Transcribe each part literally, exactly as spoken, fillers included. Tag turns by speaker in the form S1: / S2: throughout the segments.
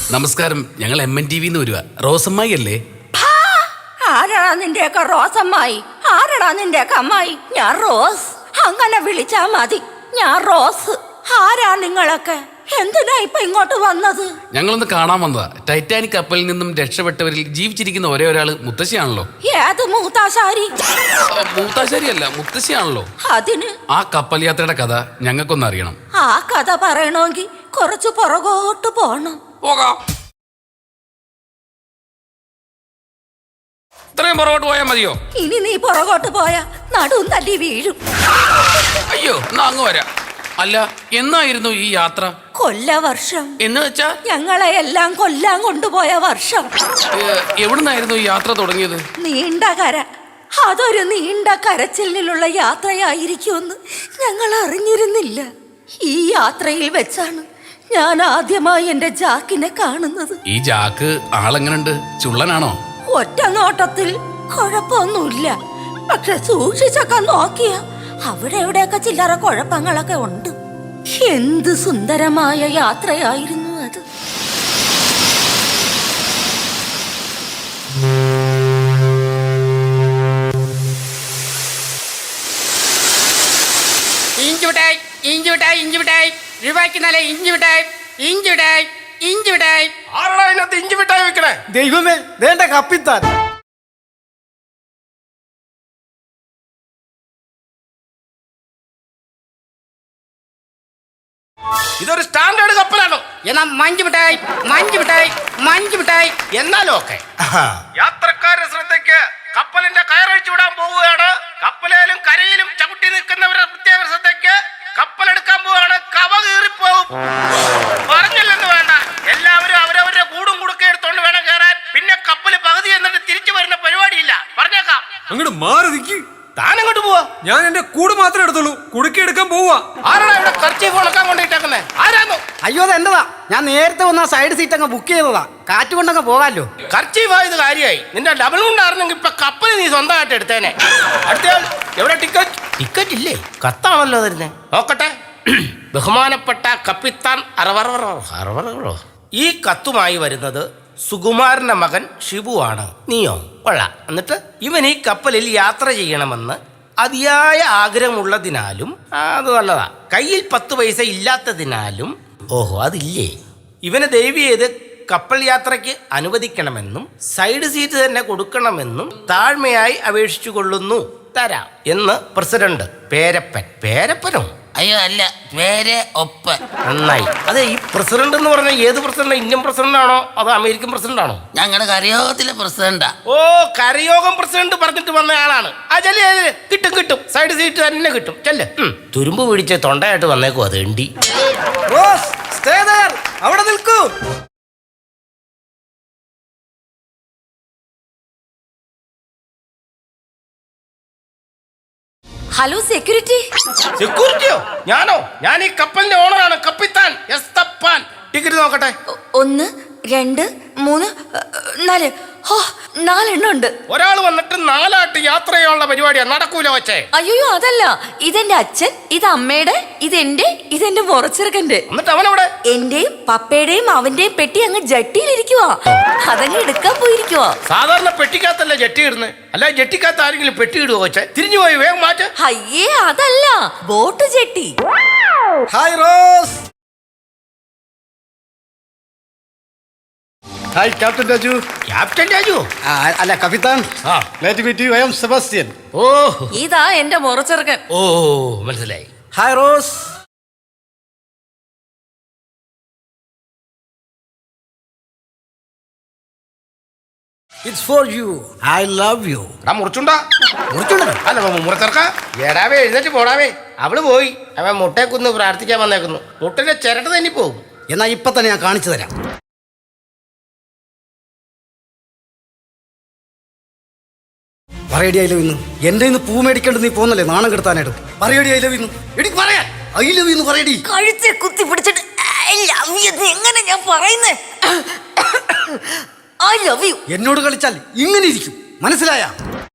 S1: നമസ്കാരം, ഞങ്ങൾ M N T വിന്ന് വരുവാ. റോസമ്മായി അല്ലേ?
S2: ആരാടാ നിന്റെയൊക്കെ റോസമ്മായി? ആരാടാ നിന്റെയൊക്കെ അമ്മായി? ഞാൻ റോസ്. അങ്ങനെ വിളിച്ചാ മതി. ഞാൻ റോസ്. ആരാ നിങ്ങളൊക്കെ? എന്തിനാ ഇപ്പൊ ഇങ്ങോട്ട് വന്നത്?
S1: ഞങ്ങളൊന്ന് കാണാൻ വന്നതാ. ടൈറ്റാനിക് കപ്പലിൽ നിന്നും രക്ഷപ്പെട്ടവരിൽ ജീവിച്ചിരിക്കുന്ന ഒരേ ഒരാള് മുത്തശ്ശിയാണല്ലോ.
S2: ഏത് മൂത്താശാരി?
S1: മൂത്താശാരി അല്ല, മുത്തശ്ശിയാണല്ലോ.
S2: അതിന്
S1: ആ കപ്പൽ യാത്രയുടെ കഥ ഞങ്ങൾക്കൊന്ന് അറിയണം.
S2: ആ കഥ പറയണമെങ്കിൽ കുറച്ചു പുറകോട്ട് പോണം.
S1: പോകാം. ഇത്രയും പുറകോട്ട് പോയാൽ മതിയോ?
S2: ഇനി നീ പുറകോട്ട് പോയാ നടുവും തല്ലി വീഴും.
S1: അയ്യോ, എന്നാ അങ്ങ് വരാം. അല്ല, എന്നായിരുന്നു ഈ യാത്ര?
S2: കൊല്ലവർഷം.
S1: എന്ന് വെച്ചാ
S2: ഞങ്ങളെ എല്ലാം കൊല്ലാൻ കൊണ്ടുപോയ വർഷം.
S1: എവിടുന്നായിരുന്നു ഈ യാത്ര തുടങ്ങിയത്?
S2: നീണ്ട കര. അതൊരു നീണ്ട കരച്ചിലിനുള്ള യാത്രയായിരിക്കുമെന്ന് ഞങ്ങൾ അറിഞ്ഞിരുന്നില്ല. ഈ യാത്രയിൽ വെച്ചാണ് ഞാൻ ആദ്യമായി എന്റെ ജാക്കിനെ കാണുന്നത്.
S1: ഈ ജാക്ക് ആളെങ്ങനുണ്ട്? ചുള്ളനാണോ?
S2: ഒറ്റ നോട്ടത്തിൽ കുഴപ്പമൊന്നുമില്ല. പക്ഷെ സൂക്ഷിച്ചൊക്കെ നോക്കിയ അവിടെ എവിടെയൊക്കെ ചില്ലറ കുഴപ്പങ്ങളൊക്കെ ഉണ്ട്. എന്ത് സുന്ദരമായ യാത്രയായിരുന്നു അത്.
S3: ഇഞ്ചി മിഠായി, ഇഞ്ചി മിഠായി, ഇഞ്ചി മിഠായി, രൂപയ്ക്ക് നല്ല ഇഞ്ചി മിഠായി, ഇഞ്ചി മിഠായി, ഇഞ്ചി മിഠായി.
S4: ആരാടാ ഇതിനകത്ത് ഇഞ്ചി മിഠായി വെക്കണേ?
S5: ദൈവമേ, വേണ്ട കപ്പിത്താൻ.
S4: ഇതൊരു സ്റ്റാൻഡേർഡ് കപ്പലാണോ?
S3: എന്നാ മഞ്ചു മിഠായി, മഞ്ചു മിഠായി, മഞ്ചു മിഠായി.
S4: എന്നാലും ഓക്കെ. യാത്രക്കാരുടെ ശ്രദ്ധയ്ക്ക് കപ്പലിന്റെ കയറഴിച്ചു വിടാൻ പോവുകയാണ്. കപ്പലിലും കരയിലും ചവിട്ടി നിൽക്കുന്നവരുടെ പ്രത്യേക ശ്രദ്ധയ്ക്ക് കപ്പലെടുക്കാൻ പോവുകയാണ്. കവ കീറിപ്പോവും. പറഞ്ഞില്ലെന്ന് വേണ്ട, എല്ലാവരും അവരവരുടെ കൂടും കുടുക്കെ എടുത്തോണ്ട് വേണം കയറാൻ. പിന്നെ കപ്പല് പകുതി എന്നിട്ട് തിരിച്ചു വരുന്ന പരിപാടിയില്ല. പറഞ്ഞേക്കാം.
S5: അങ്ങോട്ട് മാറി നിൽക്കി.
S4: താനങ്ങോട്ട് പോവാ.
S5: ഞാൻ എന്റെ കൂട് മാത്രമേ എടുത്തുള്ളൂ, കുടുക്കി എടുക്കാൻ പോവാ.
S4: ആരാടാ ഇവിടെ കർച്ചീഫ് ഉണക്കാൻ കൊണ്ടിട്ടേക്കുന്നേ? ആരാന്നോ?
S6: അയ്യോ, അത് എന്റെതാ. ഞാൻ നേരത്തെ വന്ന സൈഡ് സീറ്റ് അങ്ങ് ബുക്ക് ചെയ്തതാ. കാറ്റ് കൊണ്ടങ്ങ് പോകാമല്ലോ.
S4: കർച്ചീഫ് ആയത് കാര്യമായി. നിന്റെ ഡബിൾ കൊണ്ടായിരുന്നെങ്കിൽ ഇപ്പൊ കപ്പൽ നീ സ്വന്തമായിട്ട് എടുത്തേനെ. അടുത്തയാൾ എവിടെ? ടിക്കറ്റ് ടിക്കറ്റ് ഇല്ലേ? കത്താണല്ലോ തരുന്നേ. നോക്കട്ടെ. ബഹുമാനപ്പെട്ട കപ്പിത്താൻ അറവറോ. ഈ കത്തുമായി വരുന്നത് സുകുമാരന്റെ മകൻ ഷിബുവാണ്. നീയോ? കൊള്ളാം. എന്നിട്ട് ഇവൻ ഈ കപ്പലിൽ യാത്ര ചെയ്യണമെന്ന് അതിയായ ആഗ്രഹമുള്ളതിനാലും അത് നല്ലതാ. കയ്യിൽ പത്ത് പൈസ ഇല്ലാത്തതിനാലും ഓഹോ അതില്ലേ, ഇവന് ദയവ് ചെയ്ത് കപ്പൽ യാത്രയ്ക്ക് അനുവദിക്കണമെന്നും സൈഡ് സീറ്റ് തന്നെ കൊടുക്കണമെന്നും താഴ്മയായി അപേക്ഷിച്ചു കൊള്ളുന്നു. തരാം എന്ന് പ്രസിഡന്റ് പേരപ്പൻ. പേരപ്പനോ?
S3: അയ്യോ അല്ല, പേര് ഒപ്പൻ.
S4: നന്നായി. അതെ, ഈ പ്രസിഡന്റ് എന്ന് പറഞ്ഞാൽ ഏത് പ്രസിഡന്റ്? ഇന്ത്യൻ പ്രസിഡന്റ് ആണോ അതോ അമേരിക്കൻ പ്രസിഡന്റ് ആണോ?
S3: ഞങ്ങളുടെ കരയോഗത്തിലെ പ്രസിഡന്റാ.
S4: ഓ, കരയോഗം പ്രസിഡന്റ് പറഞ്ഞിട്ട് വന്ന ആളാണ്. ആ ചെല്ലി, കിട്ടും കിട്ടും, സൈഡ് സീറ്റ് തന്നെ കിട്ടും. ചെല്ല്. തുരുമ്പ് പിടിച്ച് തൊണ്ടയായിട്ട് വന്നേക്കും. അത് എണ്ടി.
S5: Rose, stay there. അവിടെ നിൽക്കൂ.
S2: Hello security.
S4: സെക്യൂരിറ്റിയോ? ഞാനോ? ഞാൻ ഈ കപ്പലിന്റെ ഓണറാണ്, കപ്പിത്താൻ എസ് തപ്പാൻ. ടിക്കറ്റ് നോക്കട്ടെ.
S2: ഒന്ന്, രണ്ട്, മൂന്ന്, നാല്. ഹോ, നാലെണ്ണം ഉണ്ട്.
S4: ഒരാൾ വന്നിട്ട് നാലാട്ട് യാത്ര ചെയ്യാനുള്ള പരിപാടിയാണ്. നടക്കൂല വച്ചേ.
S2: അയ്യോ അതല്ല, ഇതെന്റെ അച്ഛൻ, ഇത് അമ്മയുടെ, ഇതെന്റെ, ഇതെന്റെ മുറച്ചെറുക്കന്റെ.
S4: എന്നിട്ട് അവനവിടെ?
S2: എന്റെയും പപ്പയുടെയും അവന്റെയും പെട്ടി അങ്ങ് ജട്ടിയിലിരിക്കുവാ. അതങ്ങ് എടുക്കാൻ പോയിരിക്കുവാ.
S4: സാധാരണ പെട്ടിക്കകത്തല്ലേ ജട്ടി ഇടുന്നത്? അല്ല, ജട്ടിക്കകത്ത് ആരെങ്കിലും പെട്ടി ഇടുവോ വച്ചേ? തിരിഞ്ഞു പോയി വേഗം മാറ്റ്.
S2: അയ്യേ അതല്ല, boat jetty.
S5: Hi Rose.
S6: Hi captain Raju.
S4: Captain Raju?
S6: അല്ല കപ്പിത്താൻ.
S4: ആ,
S6: glad to meet you. I am Sebastian.
S4: ഓ
S2: ഇതാ എന്റെ മുറച്ചെറുക്കൻ.
S4: ഓ മനസ്സിലായി.
S6: Hi Rose. It's for you. I love you.
S4: ആ മുറിച്ചുണ്ടാ?
S6: മുറിച്ചുണ്ടോ?
S4: അല്ല മുറച്ചെറുക്ക. ഏടാവേ, എഴുന്നേറ്റ് പോടാവേ. അവള് പോയി. അവൻ മുട്ടേക്കുന്ന് പ്രാർത്ഥിക്കാൻ വന്നേക്കുന്നു. മുട്ടന്റെ ചിരട്ട തന്നെ പോകും.
S6: എന്നാ ഇപ്പൊ തന്നെ ഞാൻ കാണിച്ചു തരാം. പറയടി ഐ ലവ് ഇന്ന്. എന്റെ ഇന്ന് പൂ മേടിക്കേണ്ടത് നീ പോന്നല്ലേ നാണം കെടുത്താനായിട്ട്. പറയടി ഐ ലവ് ഇന്ന്. എനിക്ക് പറയാ ഐ ലവ് ഇന്ന് പറയടി.
S2: കഴുത്തെ കുത്തി പിടിച്ചിട്ട് ഐ ലവ് യു എങ്ങനെ ഞാൻ പറയുന്നേ? I love you.
S6: എന്നോട് കളിച്ചാൽ ഇങ്ങനെ ഇരിക്കും, മനസ്സിലായ?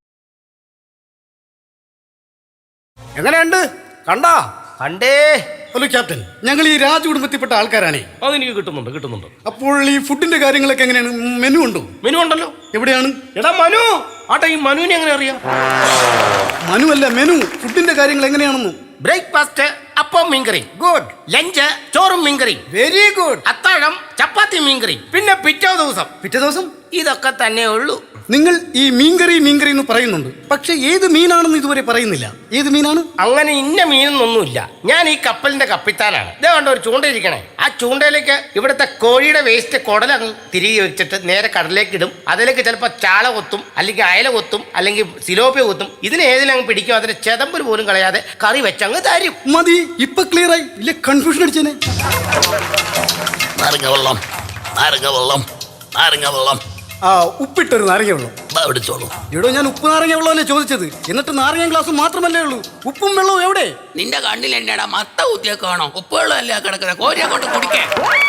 S4: എങ്ങനെയുണ്ട്? കണ്ടാ? കണ്ടേ.
S6: ഹലോ ക്യാപ്റ്റൻ, ഞങ്ങൾ ഈ രാജകുടുംബത്തിൽപ്പെട്ട ആൾക്കാരാണേ.
S4: അതെനിക്ക് കിട്ടുന്നുണ്ട് കിട്ടുന്നുണ്ട്
S6: അപ്പോൾ ഈ ഫുഡിന്റെ കാര്യങ്ങളൊക്കെ എങ്ങനെയാണ്? മെനു ഉണ്ടോ?
S4: മെനു ഉണ്ടല്ലോ.
S6: എവിടെയാണ്?
S4: എടാ മനു, ആട്ടെ ഈ മനുവിനെ എങ്ങനെ അറിയാം?
S6: മനു അല്ല, മെനു. ഫുഡിന്റെ കാര്യങ്ങൾ എങ്ങനെയാണെന്ന്.
S4: ബ്രേക്ക്ഫാസ്റ്റ് അപ്പം മീൻകറി,
S6: ഗുഡ്.
S4: ലഞ്ച് ചോറും മീൻകറി,
S6: വെരി ഗുഡ്.
S4: അത്താഴം ചപ്പാത്തി മീൻകറി, പിന്നെ പിറ്റേ ദിവസം
S6: പിറ്റേ ദിവസം
S4: ഇതൊക്കെ തന്നെ ഉള്ളൂ.
S6: നിങ്ങൾ ഈ മീൻകറി മീൻകറി എന്ന് പറയുന്നുണ്ട്, പക്ഷെ ഏത് മീനാണെന്ന് ഇതുവരെ പറയുന്നില്ല. ഏത് മീനാണ്?
S4: അങ്ങനെ ഇന്ന മീനൊന്നുമില്ല. ഞാൻ ഈ കപ്പലിന്റെ കപ്പിത്താനാണ്. ഇതേ കണ്ട ഒരു ചൂണ്ടയിരിക്കണേ. ആ ചൂണ്ടയിലേക്ക് ഇവിടുത്തെ കോഴിയുടെ വേസ്റ്റ് കുടലങ്ങ് തിരികെ വെച്ചിട്ട് നേരെ കടലിലേക്ക് ഇടും. അതിലേക്ക് ചിലപ്പോൾ ചാള കൊത്തും, അല്ലെങ്കിൽ അയല കൊത്തും, അല്ലെങ്കിൽ സിലോപ്പിയ കൊത്തും. ഇതിന് ഏതിലങ്ങ് പിടിക്കും. അതിന്റെ ചെതമ്പൽ പോലും കളയാതെ കറി വെച്ചങ്ങ് തരും.
S6: മതി, ഇപ്പൊ ക്ലിയർ ആയി. ഇല്ല കൺഫ്യൂഷൻ അടിച്ചേനെ.
S1: നാരങ്ങ വെള്ളം നാരങ്ങ വെള്ളം നാരങ്ങ വെള്ളം
S6: ആ, ഉപ്പിട്ടൊരു നാരങ്ങ വെള്ളം
S1: പിടിച്ചോളൂ.
S6: എടോ, ഞാൻ ഉപ്പ് നാരങ്ങ വെള്ളമല്ലേ ചോദിച്ചത്. എന്നിട്ട് നാരങ്ങ ഗ്ലാസ് മാത്രമല്ലേ ഉള്ളൂ. ഉപ്പും വെള്ളവും എവിടെ?
S1: നിന്റെ കണ്ണിൽ എന്നാടാ മത്ത കുത്തിയേക്കാണോ? ഉപ്പുവെള്ളം അല്ല കിടക്കുന്നത്. കോരിയെ കൊണ്ട് കുടിക്കേ.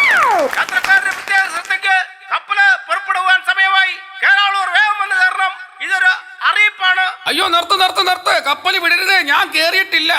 S4: കപ്പല് പുറപ്പെടുവാൻ സമയമായി. കേരളൂർ വേഗം വന്ന് കയറണം. ഇതൊരു അറിയിപ്പാണ്.
S1: അയ്യോ, നിർത്ത് നിർത്ത് നിർത്ത്. കപ്പൽ വിടരുത്. ഞാൻ കേറിയിട്ടില്ല.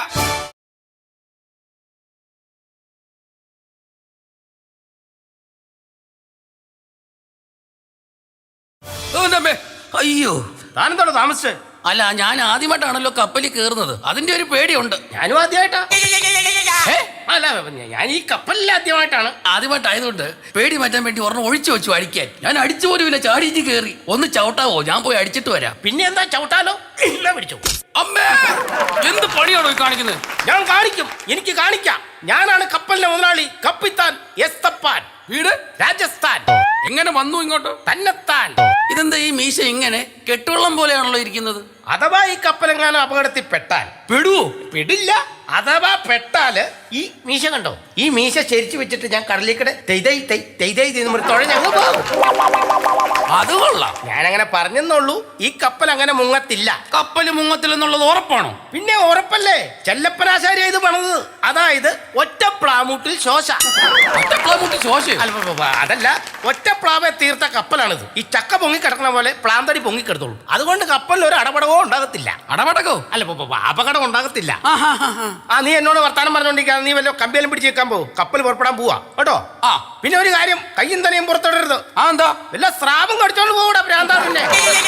S1: അയ്യോ,
S4: താനെന്താണോ താമസിച്ചേ?
S1: അല്ല, ഞാൻ ആദ്യമായിട്ടാണല്ലോ കപ്പലിൽ കയറുന്നത്. അതിന്റെ ഒരു പേടിയുണ്ട്.
S4: ഞാനും ആദ്യമായിട്ടാ. ഏ? അല്ല, ഞാൻ ഈ കപ്പലിൽ ആദ്യമായിട്ടാണ്.
S1: ആദ്യമായിട്ടായതുകൊണ്ട് പേടി മാറ്റാൻ വേണ്ടി ഒരെണ്ണം ഒഴിച്ചു വെച്ചു അടിക്കാൻ. ഞാൻ അടിച്ചു പോലുമില്ല, ചാടിയിട്ട് കയറി. ഒന്ന് ചവിട്ടാവോ? ഞാൻ പോയി അടിച്ചിട്ട് വരാം.
S4: പിന്നെ എന്താ ചവിട്ടാലോ? എന്നാ പിടിച്ചു.
S1: അമ്മേ, എന്ത് പണിയാണോ ഈ കാണിക്കുന്നത്?
S4: ഞാൻ കാണിക്കും, എനിക്ക് കാണിക്കാം. ഞാനാണ് കപ്പലിന്റെ മുതലാളി, കപ്പിത്താൻ എസ്തപ്പാൻ.
S1: വീട്
S4: രാജസ്ഥാൻ.
S1: എങ്ങനെ വന്നു ഇങ്ങോട്ട്?
S4: തന്നെത്താൻ.
S1: ഇതെന്താ ഈ മീശ ഇങ്ങനെ കെട്ടുവെള്ളം പോലെയാണല്ലോ ഇരിക്കുന്നത്?
S4: അഥവാ ഈ കപ്പലെങ്ങാനും അപകടത്തിൽ പെട്ടാൽ
S1: പെടുവോ?
S4: പെടില്ല. അഥവാ പെട്ടാല് ഈ മീശ കണ്ടോ? ഈ മീശ ശരിച്ചു വെച്ചിട്ട് ഞാൻ കടലിക്കടെ തെയ്തൈ തൈ തെയ്തൈ തുഴഞ്ഞങ്ങ് പോകും.
S1: അത് കൊള്ളാം.
S4: ഞാനങ്ങനെ പറഞ്ഞെന്നുള്ളൂ. ഈ കപ്പൽ അങ്ങനെ മുങ്ങത്തില്ല.
S1: കപ്പല് മുങ്ങത്തില്ലെന്നുള്ളത് ഉറപ്പാണോ?
S4: പിന്നെ ഉറപ്പല്ലേ. ചെല്ലപ്പനാശാരി ഇത് പണിത്. അതായത് ഒറ്റ പ്ലാമൂട്ടിൽ ശോശ.
S1: ഒറ്റപ്ലാമുട്ടി ശോശ?
S4: അല്ല, അതല്ല, ഒറ്റ പ്ലാവെ തീർത്ത കപ്പലാണിത്. ഈ ചക്ക പൊങ്ങി കിടക്കണ പോലെ പ്ലാന്തടി പൊങ്ങി കിടത്തുള്ളൂ. അതുകൊണ്ട് കപ്പലിൽ ഒരു അടപടകോ ഉണ്ടാകത്തില്ല.
S1: അടപടകോ?
S4: അല്ല, അപകടം ഉണ്ടാകത്തില്ല.
S1: ആഹാഹാഹാ.
S4: ആ, നീ എന്നോട് വർത്താനം പറഞ്ഞോണ്ടിരിക്കാ. നീ വല്ല കമ്പിയിലും പിടിച്ച് വെക്കാൻ പോകും. കപ്പൽ പുറപ്പെടാൻ പോവാ കേട്ടോ.
S1: ആ,
S4: പിന്നെ ഒരു കാര്യം, കയ്യും തലയും പുറത്തിടരുത്.
S1: ആ, എന്താ?
S4: വല്ല സ്രാവം കടിച്ചോണ്ട് പോകൂടാ ഭ്രാന്താറിന്റെ.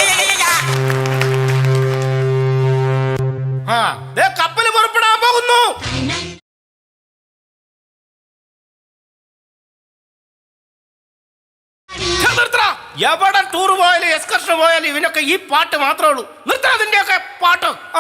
S4: ആ, ദേ കപ്പൽ പുറപ്പെടാൻ പോകുന്നു. എവിടെ ടൂർ പോയാലും എക്സ്കർഷൻ പോയാലും ഇവനൊക്കെ ഈ പാട്ട് മാത്രമേ ഉള്ളൂ. നിർത്താ അതിന്റെയൊക്കെ പാട്ട്. ആ,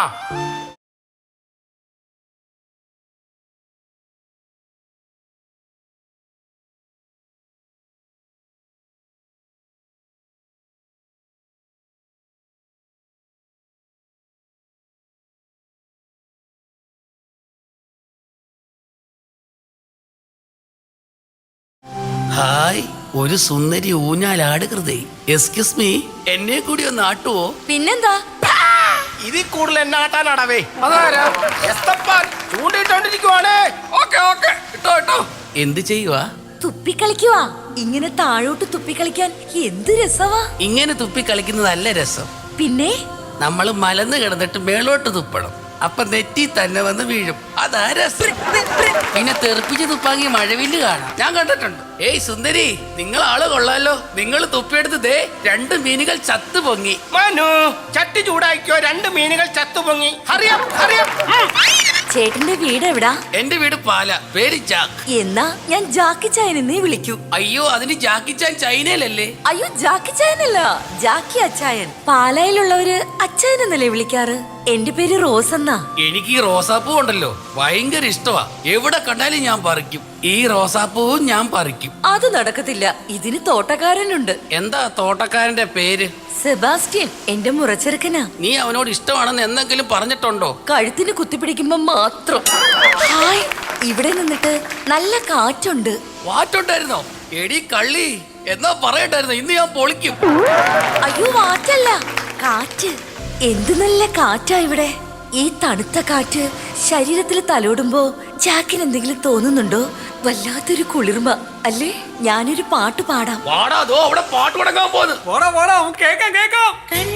S1: ഹായ്, ഒരു സുന്ദരി ഊഞ്ഞാലാടുകൃതേ. എക്സ്ക്യൂസ് മീ, എന്നെ കൂടി ഒന്ന് ആട്ടുവോ?
S2: പിന്നെന്താ?
S4: ഇതിൽ കൂടുതൽ എന്നെ ആട്ടാനാടവേ.
S1: അതാരാ?
S4: എസ്തപ്പാൻ ചൂണ്ടിട്ടോണ്ടിരിക്കുവാണ്.
S1: ഓക്കെ ഓക്കെ, ഇട്ടോ ഇട്ടോ. എന്ത് ചെയ്യുവാ?
S2: തുപ്പിക്കളിക്കുവാ. ഇങ്ങനെ താഴോട്ട് തുപ്പിക്കളിക്കാൻ എന്ത് രസവാ.
S1: ഇങ്ങനെ തുപ്പി കളിക്കുന്നതല്ല രസം.
S2: പിന്നെ
S1: നമ്മൾ മലന്ന് കിടന്നിട്ട് മേളോട്ട് തുപ്പണം. അപ്പൊ നെറ്റി തന്നെ വന്ന് വീഴും. അതാ രസം. പിന്നെ തെറിപ്പിച്ച് തുപ്പാങ്ങി മഴവില്ല് കാണാം. ഞാൻ കണ്ടിട്ടുണ്ട്. ഏയ് സുന്ദരി, നിങ്ങൾ ആള് കൊള്ളാലോ. നിങ്ങൾ തുപ്പിയെടുത്ത് ദേ രണ്ട് മീനുകൾ ചത്തു പൊങ്ങി.
S4: മനു, ചട്ടി ചൂടാക്കിയോ. രണ്ട് മീനുകൾ ചത്തു പൊങ്ങി. അറിയാം അറിയാം.
S2: ചേട്ടന്റെ വീട് എവിടാ?
S1: എന്റെ വീട് പാല. പേര് ജാക്ക്.
S2: എന്നാ ഞാൻ ജാക്കി ചായനെന്നേ വിളിക്കൂ.
S1: അയ്യോ, അതിന് ജാക്കി ചാൻ ചൈനയിലല്ലേ?
S2: അയ്യോ, ജാക്കി ചായനല്ല, ജാക്കി അച്ചായൻ. പാലായിലുള്ളവര് അച്ചായൻ എന്നല്ലേ വിളിക്കാറ്. എന്റെ പേര് റോസ് എന്നാ.
S1: എനിക്ക് ഈ റോസാപ്പൂ ഉണ്ടല്ലോ ഭയങ്കര ഇഷ്ടമാ. എവിടെ കണ്ടാലും ഞാൻ പറിക്കും. ഈ റോസാപ്പൂവും ഞാൻ പറിക്കും.
S2: അത് നടക്കത്തില്ല. ഇതിന് തോട്ടക്കാരനുണ്ട്.
S1: എന്താ തോട്ടക്കാരന്റെ പേര്?
S2: സെബാസ്റ്റ്യൻ. എന്റെ മുറച്ചെറുക്കനാ.
S1: നീ അവനോട് ഇഷ്ടമാണെന്ന് എന്തെങ്കിലും പറഞ്ഞിട്ടുണ്ടോ?
S2: കഴുത്തിന് കുത്തിപ്പിടിക്കുമ്പോ മാത്രം. ഹായ്, ഇവിടെ നിന്നിട്ട് നല്ല കാറ്റുണ്ട്.
S1: വാറ്റുണ്ടായിരുന്നോ? എടി കള്ളി, എന്നാ പറയണ്ടായിരുന്നോ? ഇന്ന് ഞാൻ പൊളിക്കും.
S2: അയ്യോ, വാറ്റല്ല, കാറ്റ്. എന്ത് നല്ല കാറ്റാ ഇവിടെ. ഈ തണുത്ത കാറ്റ് ശരീരത്തിൽ തലോടുമ്പോ ജാക്കിന് എന്തെങ്കിലും തോന്നുന്നുണ്ടോ? വല്ലാത്തൊരു കുളിർമ അല്ലേ? ഞാനൊരു പാട്ട് പാടാം.
S1: വാടാ, അതോ അവിടെ പാട്ട് തുടങ്ങാൻ പോകുന്നു.
S5: പോടാ പോടാ, കേക്കാം കേക്കാം.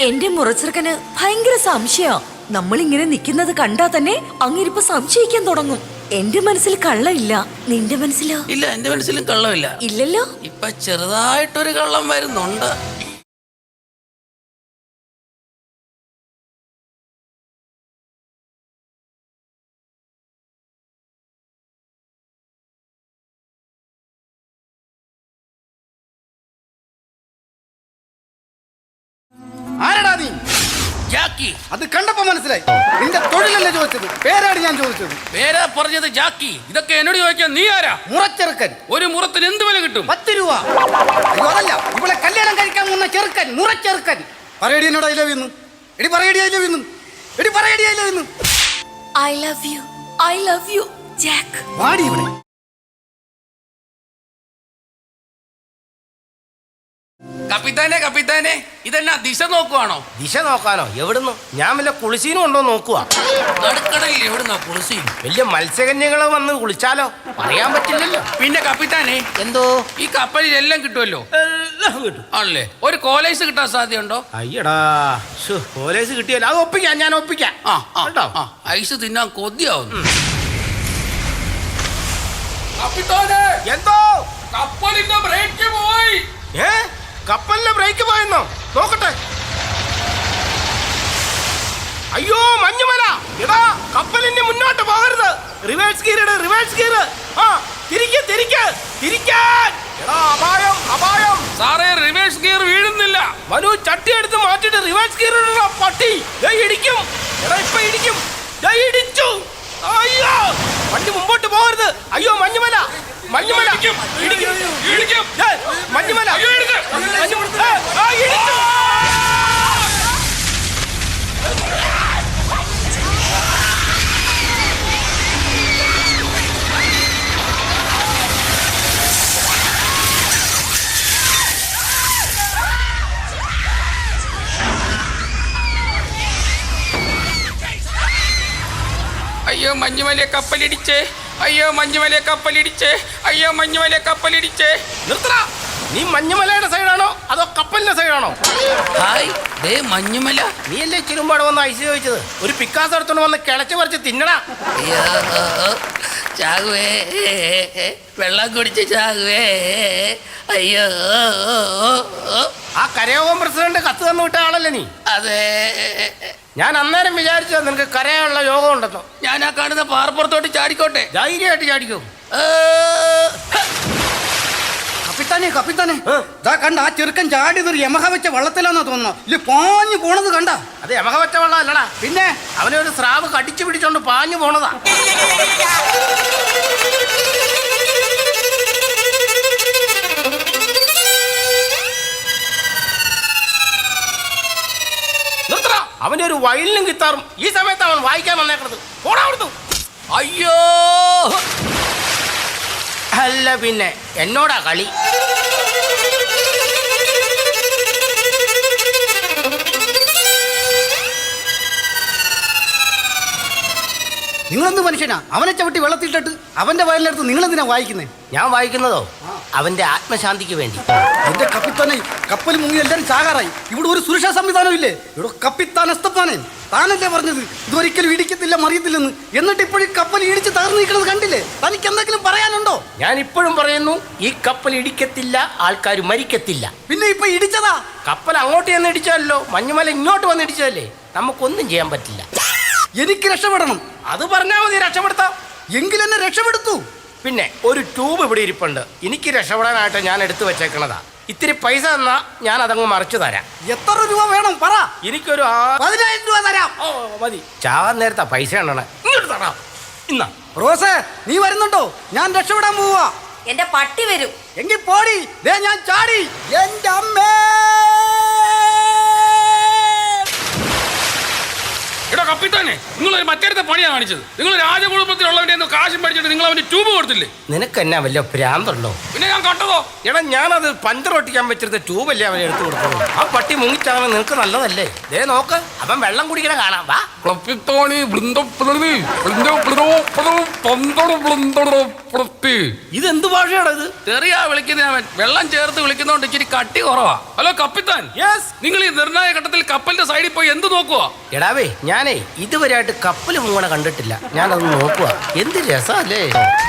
S2: എന്റെ മുറച്ചെറുക്കന് ഭയങ്കര സംശയം. നമ്മളിങ്ങനെ നിക്കുന്നത് കണ്ടാ തന്നെ അങ്ങിരിപ്പ് സംശയിക്കാൻ തുടങ്ങും. എന്റെ മനസ്സിൽ കള്ളമില്ല, നിന്റെ മനസ്സിലോ?
S1: ഇല്ല, എന്റെ മനസ്സിലും കള്ളമില്ല.
S2: ഇല്ലല്ലോ.
S1: ഇപ്പൊ ചെറുതായിട്ടൊരു കള്ളം വരുന്നുണ്ട്.
S6: ആരടാ നീ?
S1: ജാക്കി.
S6: അത് കണ്ടപ്പോ മനസ്സിലായി. നിന്റെ തൊഴിലല്ലേ ചോദിച്ചത്, പേരാണ് ഞാൻ ചോദിച്ചത്.
S1: പേരാ പറഞ്ഞത് ജാക്കി. ഇതൊക്കെ എന്നോട് ചോദിക്കാൻ നീ ആരാ?
S6: മുറച്ചെറുക്കൻ.
S1: ഒരു മുറത്തിന് എന്ത് വില കിട്ടും?
S6: പത്ത് രൂപ. അയ്യോ അതല്ല, ഇവളെ കല്യാണം കഴിക്കാൻ പോകുന്ന ചെറുക്കൻ, മുറച്ചെറുക്കൻ. പറയടി എന്നോട് ഐ ലവ് യു. എടി പറയടി ഐ ലവ് യു. എടി പറയടി I love you.
S2: I love you, I love you Jack.
S6: വാടി ഇവിടെ.
S1: കപ്പിത്താനെ കപ്പിത്താനെ, ഇതെന്നാ ദിശ നോക്കുവാണോ?
S4: ദിശ നോക്കാനോ? എവിടുന്ന്? ഞാൻ വല്ല കുളിസീനും ഉണ്ടോ നോക്കുക.
S1: നടുക്കടലിൽ എവിടുന്നാ കുളിസി?
S4: വലിയ മത്സ്യകന്യകൾ വന്ന് കുളിച്ചാലോ? പറയാൻ പറ്റില്ലല്ലോ.
S1: പിന്നെ കപ്പിത്താനെ,
S4: എന്തോ
S1: ഈ കപ്പലിൽ എല്ലാം കിട്ടുമല്ലോ?
S4: എല്ലാം കിട്ടും.
S1: ആണല്ലേ? ഒരു കോലേഴ്സ് കിട്ടാൻ സാധ്യതയുണ്ടോ?
S4: അയ്യടാ, പോലീസ് കിട്ടിയല്ലോ. അത് ഒപ്പിക്കാം, ഞാൻ ഒപ്പിക്കാം.
S1: ആ ആ,
S4: കേട്ടോ?
S1: ആ, ഐസ് തിന്നാൻ കൊതിയാവുന്നു. കപ്പിത്താനെ,
S4: എന്തോ
S1: കപ്പലിന്റെ ബ്രേക്ക് പോയി.
S4: ഏ കപ്പലിന്റെ ബ്രേക്ക് പോയെന്നോ? നോക്കട്ടെ. അയ്യോ മഞ്ഞുമല, എടാ കപ്പലിന്റെ മുന്നോട്ട് പോകരുത്. റിവേഴ്സ് ഗിയർ ഇട്, റിവേഴ്സ് ഗിയർ. ആ തിരിക്ക് തിരിക്ക് തിരിക്കാൻ. എടാ അപായം അപായം.
S1: സാറേ, റിവേഴ്സ് ഗിയർ വീഴുന്നില്ല.
S4: മനു ചട്ടി എടുത്ത് മാറ്റിട്ട് റിവേഴ്സ് ഗിയർ ഇടണ പട്ടി. ദേ ഇടിക്കും. എടാ ഇപ്പൊ ഇടിക്കും. ദേ ഇടിച്ചു. അയ്യോ വണ്ടി മുമ്പോട്ട് പോകരുത്. അയ്യോ മഞ്ഞുമല, മഞ്ഞുമല ഇടിക്കും. ദേ, മഞ്ഞുമല മഞ്ഞുമല. ഏ, ആ, ഇടിച്ചു.
S1: അയ്യോ മഞ്ഞുമല കപ്പലിടിച്ചേ, അയ്യോ മഞ്ഞുമല കപ്പലിടിച്ചേ, അയ്യോ മഞ്ഞുമല കപ്പലിടിച്ചേ.
S4: നിർത്തടാ. നീ മഞ്ഞുമലയുടെ സൈഡാണോ അതോ കപ്പലിന്റെ സൈഡാണോ?
S1: ഹായ്, ദേ മഞ്ഞുമല.
S4: നീ അല്ലേ ചിരുമ്പാട് വന്ന് ഐസ് ചോദിച്ചത്? ഒരു പിക്കാസ് എടുത്തോണ്ട് വന്ന് കിളച്ച് പറിച്ച് തിന്നടാ.
S1: അയ്യോ ചാകുവേ, വെള്ളം കുടിച്ച് ചാകുവേ. അയ്യോ,
S4: ആ കരയോഗം പ്രസിഡന്റ് കത്ത് തന്നു വിട്ട ആളല്ലേ നീ?
S1: അതെ.
S4: ഞാൻ അന്നേരം വിചാരിച്ചത് നിനക്ക് കരയാനുള്ള യോഗം ഉണ്ടെന്നോ.
S1: ഞാൻ ആ കാണുന്ന പാറപ്പുറത്തോട്ട് ചാടിക്കോട്ടെ?
S4: ധൈര്യമായിട്ട് ചാടിക്കും.
S1: ഏ,
S6: കപ്പിത്താനെ കപ്പിത്താനെ, ദാ കണ്ട ആ ചെറുക്കൻ ചാടിയതൊരു യമഹ വെച്ച വള്ളത്തിലാന്നാ തോന്നുന്നു. ഇല്ല പാഞ്ഞു പോണത് കണ്ട?
S4: അത് യമഹ വെച്ച വെള്ളം അല്ലടാ.
S6: പിന്നെ
S4: അവനെ ഒരു സ്രാവ് കടിച്ചു പിടിച്ചോണ്ട് പാഞ്ഞു പോണതാ. നിർത്തടാ. അവന്റെ ഒരു വയലിനും കിത്താറും ഈ സമയത്ത് അവൻ വായിക്കാൻ വന്നേക്കണത്. പോടാ അവിടുന്ന്.
S1: അയ്യോ,
S4: അല്ല പിന്നെ എന്നോടാ കളി.
S6: നിങ്ങളെന്ത് മനുഷ്യനാ? അവനെ ചവിട്ടി വെള്ളത്തിലിട്ടിട്ട് അവന്റെ വയലിനടുത്ത് നിങ്ങളെന്തിനാ വായിക്കുന്നത്?
S4: ഞാൻ വായിക്കുന്നതോ അവന്റെ ആത്മശാന്തിക്ക് വേണ്ടി.
S6: എന്റെ കപ്പിത്താനെ, കപ്പൽ മുങ്ങി എല്ലാരും ചാകാറായി. ഇവിടെ ഒരു സുരക്ഷാ സംവിധാനം ഇല്ലേ? ഇവിടെ കപ്പിത്താൻ എസ്തപ്പാനെ താനല്ലേ പറഞ്ഞത് ഇതൊരിക്കലും ഇടിക്കത്തില്ല മറിയത്തില്ലെന്ന്? എന്നിട്ട് ഇപ്പോഴും കപ്പൽ ഇടിച്ച് തകർന്നു നിൽക്കുന്നത് കണ്ടില്ലേ? തനിക്ക് എന്തെങ്കിലും പറയാനുണ്ടോ?
S4: ഞാൻ ഇപ്പോഴും പറയുന്നു, ഈ കപ്പൽ ഇടിക്കത്തില്ല, ആൾക്കാർ മരിക്കത്തില്ല.
S6: പിന്നെ ഇപ്പൊ ഇടിച്ചതാ.
S4: കപ്പൽ അങ്ങോട്ട് ചെന്ന് ഇടിച്ചല്ലോ, മഞ്ഞുമല ഇങ്ങോട്ട് വന്ന് ഇടിച്ചതല്ലേ. നമുക്കൊന്നും ചെയ്യാൻ പറ്റില്ല.
S6: എനിക്ക് രക്ഷപ്പെടണം.
S4: അത് പറഞ്ഞാൽ മതി, രക്ഷപ്പെടുത്താം.
S6: എങ്കിലെന്നെ രക്ഷപ്പെടുത്തു.
S4: പിന്നെ ഒരു ട്യൂബ് ഇവിടെ ഇരിപ്പുണ്ട്. എനിക്ക് രക്ഷപ്പെടാനായിട്ട് ഞാൻ എടുത്തു വെച്ചേക്കണതാ. ഇത്തിരി പൈസ തന്നാ ഞാൻ അതങ്ങ് മറിച്ചു തരാം.
S6: എത്ര രൂപ വേണം പറ?
S4: എനിക്കൊരു
S6: പതിനായിരം രൂപ തരാം.
S4: ഓ മതി. ചാവാൻ നേരത്താ പൈസ എണ്ണണേ. ഇങ്ങോട്ട് തരാം. ഇന്നാ
S6: റോസേ, നീ വരുന്നുണ്ടോ? ഞാൻ രക്ഷപ്പെടാൻ പോവാ.
S2: എന്റെ പട്ടി വരും.
S6: എങ്കിൽ പോടി. ദേ ഞാൻ ചാടി. എന്റെ അമ്മേ.
S1: എടാ
S5: കപ്പിത്താനെ നിങ്ങൾ ഒരു മറ്റേടത്തെ പണിയാണ് കാണിച്ചത്. നിങ്ങൾ രാജകുടുംബത്തിലുള്ളവന്റെ കാശും പഠിച്ചിട്ട് നിങ്ങൾ അവന് ട്യൂബ് കൊടുത്തില്ലേ?
S4: നിനക്ക് എന്നാ വല്ല ഭ്രാന്തുണ്ടോ?
S5: പിന്നെ ഞാൻ കണ്ടതോ?
S4: എടാ ഞാനത് പഞ്ചർ ഒട്ടിക്കാൻ വെച്ചിരുന്ന ട്യൂബല്ലേ അവൻ എടുത്തു കൊടുത്തത്. ആ പട്ടി മുങ്ങിച്ചാണ് നിനക്ക് നല്ലതല്ലേ? ദേ നോക്ക്, അവൻ വെള്ളം കുടിക്കണ കാണാം. വാ.
S5: കപ്പിത്താനി
S4: ഇതെന്ത് ഭാഷയാടാ ഇത്?
S1: തെറിയാ വിളിക്കുന്ന അവൻ. വെള്ളം ചേർത്ത് വിളിക്കുന്നോണ്ട് ഇച്ചിരി കട്ടി കുറവാ.
S5: ഹലോ കപ്പിത്താൻ,
S4: യെസ്.
S5: നിങ്ങൾ ഈ നിർണായക ഘട്ടത്തിൽ കപ്പലിന്റെ സൈഡിൽ പോയി എന്ത് നോക്കുക?
S4: എടാവേ, ഞാനേ ഇതുവരെയായിട്ട് കപ്പൽ മുങ്ങണ കണ്ടിട്ടില്ല. ഞാനത് നോക്കുക. എന്ത് രസല്ലേ.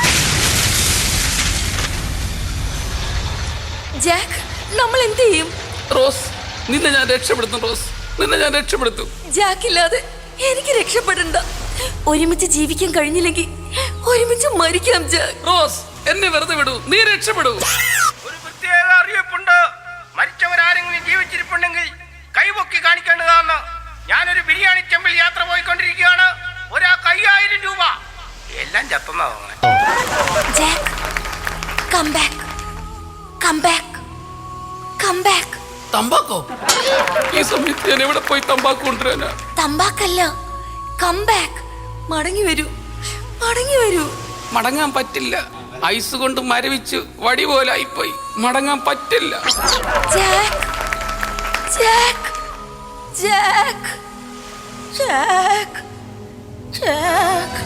S2: ജാക്ക്, നമ്മൾ എന്ത് ചെയ്യും?
S1: റോസ്, നിന്നെ ഞാൻ രക്ഷപ്പെടുത്തും. റോസ്, നിന്നെ ഞാൻ രക്ഷപ്പെടുത്തും.
S2: ജാക്കില്ലാതെ എനിക്ക് രക്ഷപ്പെടണ്ട. ഒരുമിച്ച് ജീവിക്കാൻ കഴിഞ്ഞില്ലെങ്കിൽ ഒരുമിച്ച് മരിക്കാം ജാക്ക്.
S1: റോസ്, എന്നെ വെറുതെ വിടൂ. നീ രക്ഷപ്പെടൂ.
S4: ഒരു പ്രത്യേക അറിയിപ്പുണ്ട്. മരിച്ചവരാരെങ്കിലും ജീവിച്ചിരിപ്പുണ്ടെങ്കിൽ കൈപൊക്കി കാണിക്കേണ്ടതാണ്. ഞാനൊരു ബിരിയാണി ചെമ്പിൽ യാത്ര പോയിക്കൊണ്ടിരിക്കുകയാണ്. ഒരാൾക്ക് അയ്യായിരം രൂപ. എല്ലാം ചത്തുന്നാ തോന്നണേ.
S2: Jack, come back, come back, come back.
S1: തമ്പാക്കോ? ഈ സമയത്ത് ഞാൻ എവിടെ പോയി തമ്പാക്ക് കൊണ്ടുവരാനാ?
S2: തമ്പാക്കല്ല, കം ബാക്ക്. മടങ്ങി വരൂ, മടങ്ങി വരൂ.
S1: മടങ്ങാൻ പറ്റില്ല. ഐസ് കൊണ്ട് മരവിച്ച് വടി പോലെ ആയിപ്പോയി. മടങ്ങാൻ പറ്റില്ല.
S2: Jack, Jack, Jack, Jack, Jack.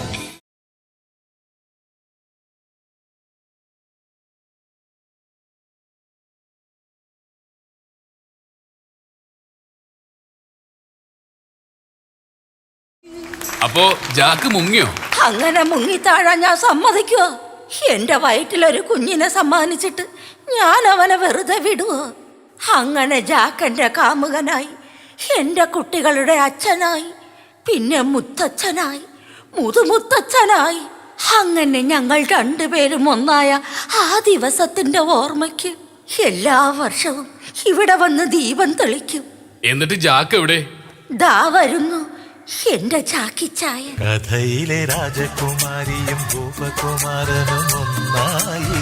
S5: അപ്പോ ജാക്ക് മുങ്ങിയോ?
S2: അങ്ങനെ മുങ്ങിത്താഴാൻ ഞാൻ സമ്മതിക്കുവോ? എന്റെ വയറ്റിലൊരു കുഞ്ഞിനെ സമ്മാനിച്ചിട്ട് ഞാൻ അവനെ വെറുതെ വിടുവോ? അങ്ങനെ ജാക്കന്റെ കാമുകനായി, എന്റെ കുട്ടികളുടെ അച്ഛനായി, പിന്നെ മുത്തച്ഛനായി, മുതുമുത്തച്ഛനായി, അങ്ങനെ ഞങ്ങൾ രണ്ടുപേരും ഒന്നായ ആ ദിവസത്തിന്റെ ഓർമ്മയ്ക്ക് എല്ലാ വർഷവും ഇവിടെ വന്ന് ദീപം തെളിക്കും.
S5: എന്നിട്ട് ജാക്ക് എവിടെ?
S2: ദാ വരുന്നു എന്റെ ചാക്കിച്ചായ.
S7: കഥയിലെ രാജകുമാരിയും ഭൂപകുമാരനും ഒന്നായി